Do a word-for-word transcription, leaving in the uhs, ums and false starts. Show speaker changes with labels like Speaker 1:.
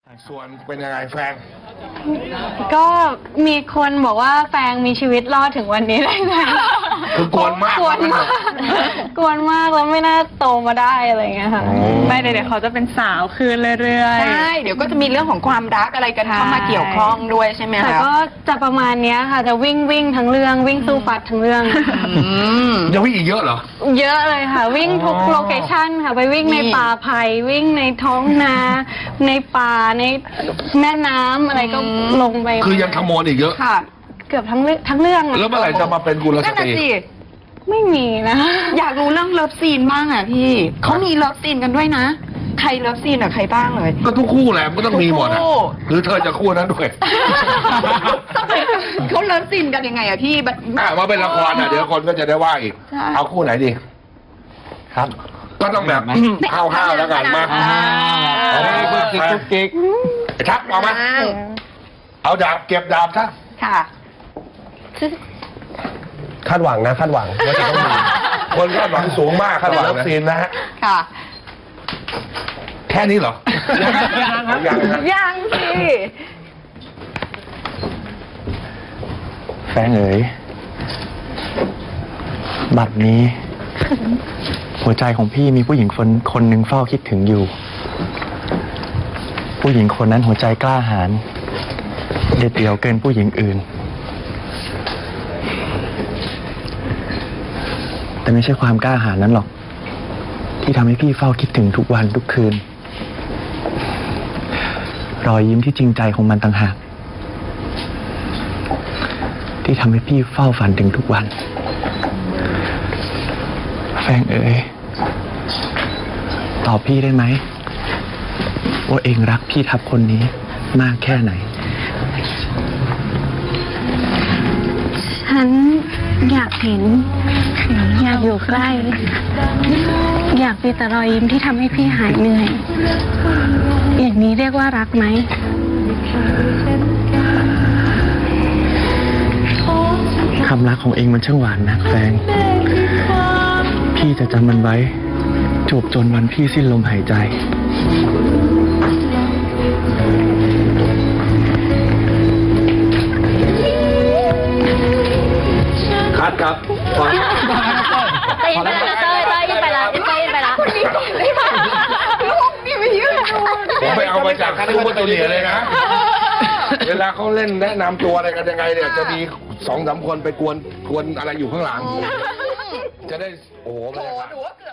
Speaker 1: ส่วนเป็นยังไงแฟน
Speaker 2: ก็มีคนบอกว่าแฟงมีชีวิตรอดถึงวันนี้ได้ไง
Speaker 1: คือกวนมาก
Speaker 2: กวนมากกวนมากแล้วไม่น่าโตมาได้อะไรเงี้ยค่ะ
Speaker 3: ไม่เดี๋ยวเขาจะเป็นสาวขึ้นเรื่อยๆ
Speaker 4: ใช่เดี๋ยวก็จะมีเรื่องของความรักอะไรกันเข้ามาเกี่ยวข้องด้วยใช่ไหมคะ
Speaker 2: แต่ก็จะประมาณเนี้ยค่ะจะวิ่งวิ่งทั้งเรื่องวิ่งสู้ฟัดทั้งเรื่อง
Speaker 4: อืม
Speaker 1: ยังวิ่งอีกเยอะเหรอ
Speaker 2: เยอะเลยค่ะ วิ่งทุก
Speaker 1: อ๋อ
Speaker 2: โลเคชั่นค่ะไปวิ่งใน
Speaker 4: นี่
Speaker 2: ป่าไผ่วิ่งในท้องนา ในป่าในแม่น้ำอะไรก็ลงไป
Speaker 1: คือยังขโมยอีกเยอะ
Speaker 4: ค่ะ
Speaker 2: เกือบทั้งเรื่องทั้งเรื่องอะ
Speaker 1: แล้วเมื่อไหร่จะมาเป็นกุลส
Speaker 4: นั่น
Speaker 1: ต
Speaker 4: น่ะ
Speaker 1: รี
Speaker 4: สิ
Speaker 2: ไม่มีนะ
Speaker 4: อยากรู้เรื่องเลิฟซีนบ้างอ่ะพี่เขามีเลิฟซีนกันด้วยนะ ใครเลิฟซีนกับใครบ้างเลย
Speaker 1: ก็ทุกคู่แหละมันก็ต้องมีหมดอ่ะ
Speaker 4: ทุกคู่
Speaker 1: หรือเธอจะคู่นั้นด้วย
Speaker 4: เขาเลิฟซีนกันยังไงอะพี่แบบ
Speaker 1: อ่ะมาเป็นละครอ่ะเดี๋ยวคนก็จะได้ว่าอีก
Speaker 4: ใช่
Speaker 1: เอาคู่ไหนดี
Speaker 5: ครับ
Speaker 1: ก็ต้องแบบห้าวๆแล้วกันมา
Speaker 4: อ่า
Speaker 1: เอามา
Speaker 5: กุ๊กกิ๊กกุ๊กกิ๊ก
Speaker 1: ไอ้ทักเอามา
Speaker 4: อ่า
Speaker 1: เอาดาบเก็บดาบซะ
Speaker 4: ค่ะ
Speaker 5: คาดหวังนะคาดหวังว่าจะต้องมี
Speaker 1: คนคาดหวังสูงมาก
Speaker 5: คาดหวัง
Speaker 1: เลิฟซีนนะฮะ
Speaker 4: ค่ะ
Speaker 1: แค่นี้เหรอ ยังนะ
Speaker 4: ยังสิ
Speaker 5: แฟนเอ๋ยบัดนี้ หัวใจของพี่มีผู้หญิงคนคนหนึ่งเฝ้าคิดถึงอยู่ ผู้หญิงคนนั้นหัวใจกล้าหาญเด็ดเดี่ยวเกินผู้หญิงอื่น แต่ไม่ใช่ความกล้าหาญนั้นหรอก ที่ทำให้พี่เฝ้าคิดถึงทุกวันทุกคืน รอยยิ้มที่จริงใจของมันต่างหากที่ทำให้พี่เฝ้าฝันถึงทุกวัน แฟงเอ๋ยตอบพี่ได้ไหมว่าเองรักพี่ทับคนนี้มากแค่ไหน
Speaker 2: ฉันอยากเห็น อยากอยู่ใกล้ อยากมีแต่รอยยิ้มที่ทำให้พี่หายเหนื่อย อย่างนี้เรียกว่ารักไหม
Speaker 5: คำรักของเองมันช่างหวานนะแฟง พี่จะจำมันไว้จวบจนวันพี่สิ้นลมหายใจ
Speaker 1: คัดครับ
Speaker 2: เต้ยไปละเต้ยเต้ยไปละเต้ยไปละคนนี้ก่อนเลยค่ะลูกนี่ไม่ยืด
Speaker 1: ผมไปเอามาจากซูเปอร์จูเนียร์เลยนะ เวลาเขาเล่นแนะนำตัวอะไรกันยังไงเนี่ย จะมีสองสามคนไปกวนกวนอะไรอยู่ข้างหลัง จะได้ โอ้โหบรรยากาศ
Speaker 4: หนูว่าเกือบ